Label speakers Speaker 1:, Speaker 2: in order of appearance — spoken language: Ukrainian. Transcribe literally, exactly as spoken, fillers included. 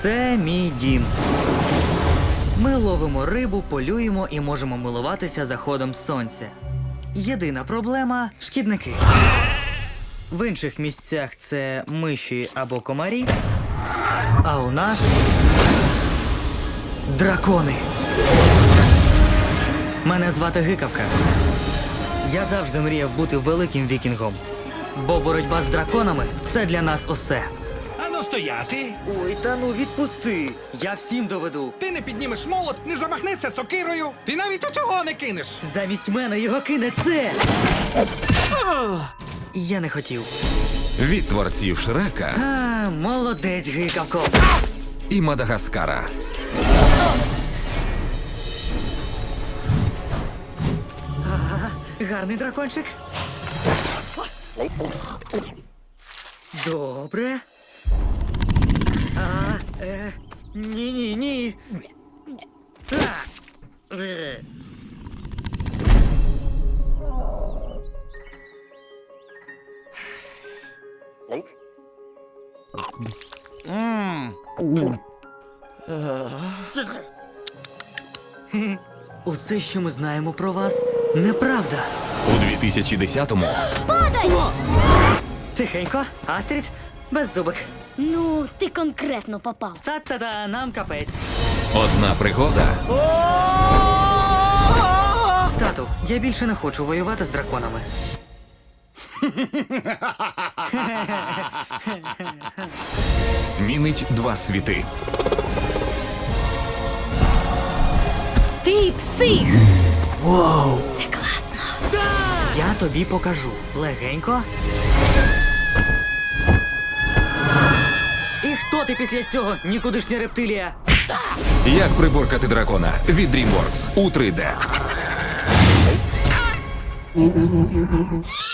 Speaker 1: Це мій дім. Ми ловимо рибу, полюємо і можемо милуватися заходом сонця. Єдина проблема – шкідники. В інших місцях це миші або комарі, а у нас дракони. Мене звати Гикавка. Я завжди мріяв бути великим вікінгом, бо боротьба з драконами – це для нас усе.
Speaker 2: Ану стояти!
Speaker 1: Ой, та ну відпусти! Я всім доведу.
Speaker 2: Ти не піднімеш молот, не замахнешся сокирою. Ти навіть у цього не кинеш.
Speaker 1: Замість мене його кине це! Я не хотів.
Speaker 3: Від творців Шрека
Speaker 1: А, молодець, Гикавко.
Speaker 3: і Мадагаскара.
Speaker 1: Ага, гарний дракончик. Добре. А, е, ні-ні-ні. А, е. Хе-хе. Усе, що ми знаємо про вас, неправда.
Speaker 3: У дві тисячі десятому
Speaker 1: О! Тихенько, Астрід, беззубик.
Speaker 4: Ну, ти конкретно попав.
Speaker 1: Та-та-та, нам капець.
Speaker 3: одна пригода
Speaker 1: Тату, я більше не хочу воювати з драконами.
Speaker 3: змінить два світи.
Speaker 4: Ти псих!
Speaker 1: Воу!
Speaker 4: Це класно.
Speaker 1: Я тобі покажу. Легенько. І хто ти після цього, нікудишня рептилія?
Speaker 3: Як приборкати дракона від DreamWorks у три де.